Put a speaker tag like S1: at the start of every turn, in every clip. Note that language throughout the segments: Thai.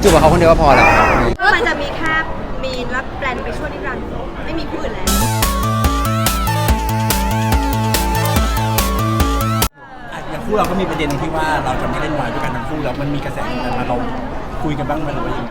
S1: จูบกับเขาคนเดียวก็พอแล้วครับ
S2: ก็มันจะมีแค่มีนและแปลนไปช่วยนิรันดร์ไม่มีผู้อื่นแล้ว
S3: อย่างคู่เราก็มีประเด็นที่ว่าเราจะไม่เล่นวายด้วยกันทั้งคู่แล้วมันมีกระแสกันมาเราคุยกันบ้างไหมหรือว่ายังไง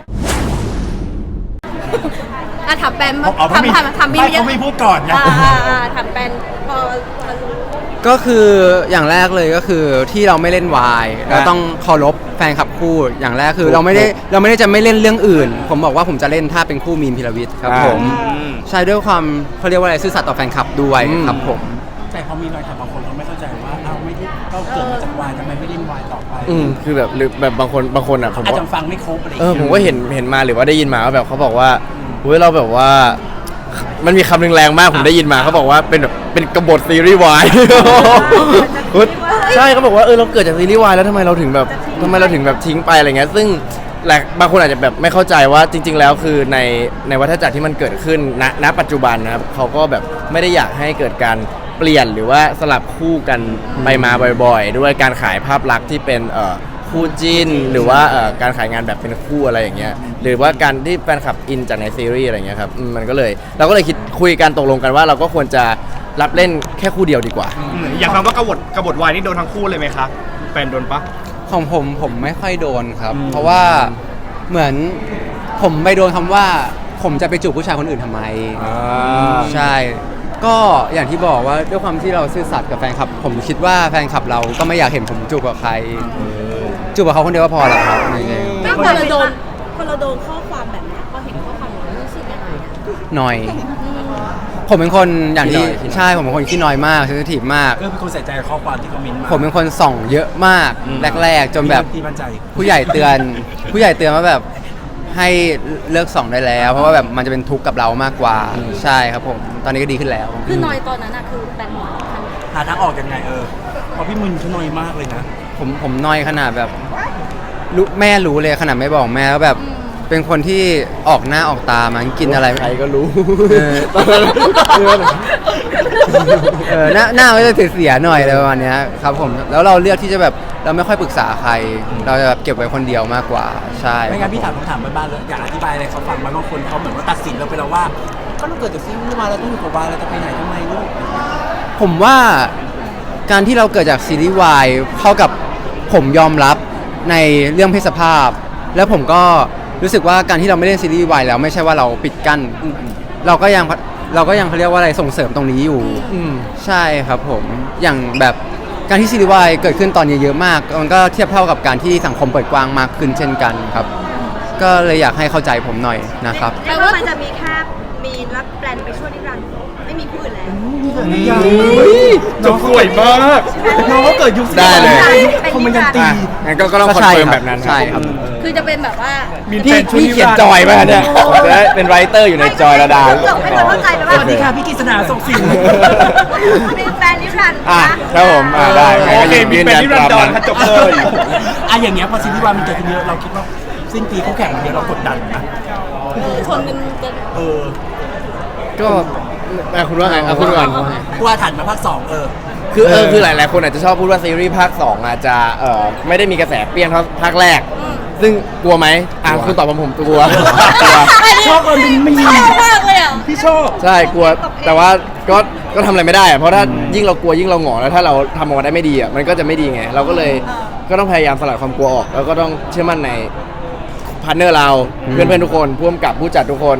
S2: ถามแปนทำบีม
S3: เขาไม่พูดก่อนไง
S2: ถามแปนพอรู้
S1: ก็คืออย่างแรกเลยก็คือที่เราไม่เล่นวายเราต้องเคารพแฟนคลับคู่อย่างแรกคือเราไม่ได้จะไม่เล่นเรื่องอื่นผมบอกว่าผมจะเล่นถ้าเป็นคู่มีนพิรวิทย์ครับผมใช่ด้วยความเขาเรียกว่าอะไรซื่อสัตย์ต่อแฟนคลับด้วยครับผม
S3: แต่พอมีรอยขับบางคนเขาไม่เข้าใจว่าเราไม่ได้เราเกิดมาจากวายทำไมไม่เล่นวายต่อไป
S4: คือแบบหรือแบบบางคนอ่ะผม
S3: อาจจะฟังไม่ครบอะไร
S4: ผมก็เห็นมาหรือว่าได้ยินมาว่าแบบเขาบอกว่าเฮ้ยเราแบบว่ามันมีคำหนึ่งแรงมากผมได้ยินมาเขาบอกว่าเป็นกบฏซีรีส์วายใช่เขาบอกว่าเราเกิดจากซีรีส์วายแล้วทำไมเราถึงแบบทิ้งไปอะไรเงี้ยซึ่งบางคนอาจจะแบบไม่เข้าใจว่าจริงๆแล้วคือในวัฏจักรที่มันเกิดขึ้นณปัจจุบันนะครับเขาก็แบบไม่ได้อยากให้เกิดการเปลี่ยนหรือว่าสลับคู่กันไปมาบ่อยๆด้วยการขายภาพลักษณ์ที่เป็นคู่จิ้นหรือว่าการขายงานแบบเป็นคู่อะไรอย่างเงี้ยหรือว่าการที่แฟนคลับอินจากในซีรีส์อะไรเงี้ยครับมันก็เลยเราก็เลยคุยกันตกลงกันว่าเราก็ควรจะรับเล่นแค่คู่เดียวดีกว่า
S5: อย่างคำว่ากบฏวายนี่โดนทั้งคู่เลยไหมคะแฟนโดนปะ
S1: ของผมไม่ค่อยโดนครับเพราะว่าเหมือนผมไปโดนคำว่าผมจะไปจูบผู้ชายคนอื่นทำไมใช่ก็อย่างที่บอกว่าด้วยความที่เราซื่อสัตย์กับแฟนคลับผมคิดว่าแฟนคลับเราก็ไม่อยากเห็นผมจูบกับใครจูบกับเขาคนเดียวก็พอแล้วครับ
S2: ไม่พอเราโดนข้อความแบบนี้พอเห็นข้อความแบบนี้รู้สึกยังไง
S1: หน่อยผมเป็นคนอย่างที่ใช่ผมเป็นคนขี้น้อยมากเซนซิทีฟมาก
S3: ก็เป็นคนใส่ใจข้อความที่คอมเมนต์มา
S1: ผมเป็นคนส่องเยอะมากแรกๆจนแบบผู้ใหญ่เตือนว่าแบบให้เลิกส่องได้แล้วเพราะว่าแบบมันจะเป็นทุกข์กับเรามากกว่าใช่ครับผมตอนนี้ก็ดีขึ้นแล้ว
S2: คือนอยตอนนั้นคือแปลน
S3: หาทางออกยังไงพอพี่มึนเขานอยมากเลยนะ
S1: ผมนอยขนาดแบบแม่รู้เลยขนาดไม่บอกแม่แล้วแบบเป็นคนที่ออกหน้าออกตามันกินอะไร
S4: ใครก็รู้
S1: หน้าไม่ได้เสียหน่อยอะไรประมาณนี้ครับผมแล้วเราเลือกที่จะแบบเราไม่ค่อยปรึกษาใครเราจะแบบเก็บไว้คนเดียวมากกว่าใช่
S3: ไม่งั้นพี่ถามบ้านเลยอยากอธิบายอะไรเขาฟังบางคนเขาเหมือนว่าตัดสินเราไปแล้วว่าก็ต้องเกิดจากซีรีส์วายแล้วต้องอยู่กับวายเราจะไปไหนทำไมลูก
S1: ผมว่าการที่เราเกิดจากซีรีส์วายเข้ากับผมยอมรับในเรื่องเพศสภาพแล้วผมก็รู้สึกว่าการที่เราไม่เล่นซีรีส์วายแล้วไม่ใช่ว่าเราปิดกั้นเราก็ยังเขาเรียกว่าอะไรส่งเสริมตรงนี้อยู่ใช่ครับผมอย่างแบบการที่ซีรีส์วายเกิดขึ้นตอนนี้เยอะมากมันก็เทียบเท่ากับการที่สังคมเปิดกว้างมากขึ้นเช่นกันครับก็เลยอยากให้เข้าใจผมหน่อยนะครับ
S2: แปลว่ามันจะมีแค่มีนและแปลนไปช่วยนิรันดร์ไม่มีผู้อื่นแล้ว
S5: จะป่วยมาก
S3: น้องก็เกิดยุค
S1: ได้เลย
S3: คอมเมนต์ตี
S4: งั้นก็ต้องคอนเฟิร์มแบบนั้น
S1: ใช่ครับ
S2: คือจะเป็นแบบว่า
S4: พี่เขียนจอยมาเนี่ยเป็นไรเตอร์อยู่ในจอยระดา
S2: ไม่คนเข้าใจไปว่า
S3: สวัสดีค่ะพี่กฤษณาส่งสิ่ง
S2: มีแฟนนิรันดร์
S4: ครับผมได้
S5: โอเคมีเป็นนิรันดร์จบเลย
S3: อย่างเงี้ยพอซีรีส์วายมันเกิดขึ้นเยอะเราคิดว่าสิ้นปีเขาแข่งเยอะเรากดดันนะ
S2: ชนกัน
S1: ก็
S4: คุณว่าไงคุณก่อน
S3: กูว่าถัดมาภาค2
S4: คือหลายๆคนอาจจะชอบพูดว่าซีรีส์ภาค2อาจจะไม่ได้มีกระแสเปรี้ยงเท่าภาคแรกซึ่งกลัวไหมคุณตอบผมกลัว
S3: ชอบมันเป็นมี
S2: มากเลย
S3: พี่ชอบ
S4: ใช่กลัวแต่ว่าก็ทำอะไรไม่ได้เพราะถ้ายิ่งเรากลัวยิ่งเราหงอแล้วถ้าเราทำออกมาได้ไม่ดีมันก็จะไม่ดีไงเราก็เลยก็ต้องพยายามสลัดความกลัวออกแล้วก็ต้องเชื่อมั่นในพาร์ทเนอร์เราเพื่อนๆทุกคนผู้กำกับผู้จัดทุกคน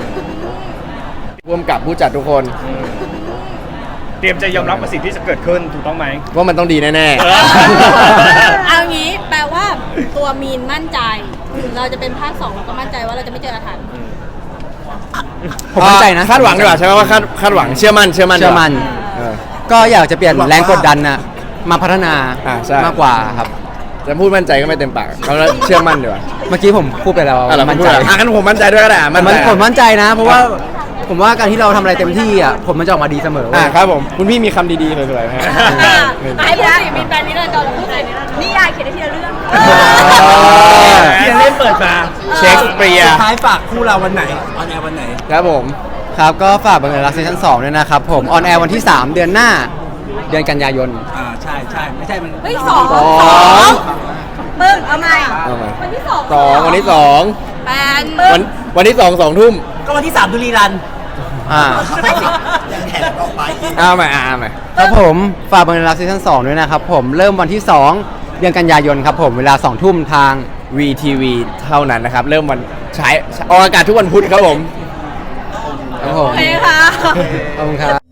S5: เตรียมจะยอมรับกับสิ่งที่จะเกิดขึ้นถูกต้องไหม
S4: ว่ามันต้องดีแน่
S2: ๆเอางี้แปลว่าตัวมีนมั่นใจเราจะเป็นภาค2เราก็มั่นใจว่าเราจะไม่เจออาถรรพ์
S1: ผมมั่นใจนะ
S4: คาดหวังดีกว่าใช่ไหมว่าคาดหวังเชื่อมั่น
S1: ก็อยากจะเปลี่ยนแรงกดดันนะมาพัฒนามากกว่าครับ
S4: จะพูดมั่นใจก็ไม่เต็มปากเขาเชื่อมั่นดีกว่า
S1: เมื่อกี้ผมพูดไปแล้ว
S4: มั่นใจงั้นผมมั่นใจด้วยก็ได้
S1: ผมมั่นใจนะเพราะว่าผมว่าการที่เราทำอะไรเต็มที่ผมมันจะออกมาดีเสมอ
S4: ครับผมคุณพี่มีคำดีๆสวยๆไหม
S2: ไอ้พูดสิมีแฟนนี้เลยตอนพูดเลยนี่ยายเขียนได้ทีละเรื่อง
S3: ที่เล่นเปิดมา
S4: เช็คเปรีย
S3: สุดท้ายฝากคู่เราวันไหนออนแอร์วันไหน
S4: ครับผม
S1: ครับก็ฝากบังเอิญรักซีซั่น2ด้วยนะครับผมออนแอร์วันที่3เดือนหน้าเดือนกันยายน
S3: ใช่ไม่ใช่มัน
S2: 2 ปึ้งเอาใหม่
S4: เอาใหม่
S2: วันที่สอง
S4: วันที่สอง
S2: แปนปึ้ง
S4: วันที่2 2 ทุ่ม
S3: ก็วันที่3ดูรีรัน
S1: อ่า
S3: แข่งต่อไป
S4: เอาใหม่เอาใหม่
S1: ครับผมฝากบังเอิญรักซีซั่น2ด้วยนะครับผมเริ่มวันที่ 2 เดือนกันยายนครับผมเวลา 2 ทุ่มทาง
S4: VTV เท่านั้นนะครับ เริ่มวันใช้ออกอากาศทุกวันพุธครับผม
S1: ครับผม
S2: โอเคค่ะ
S1: ขอบคุณครับ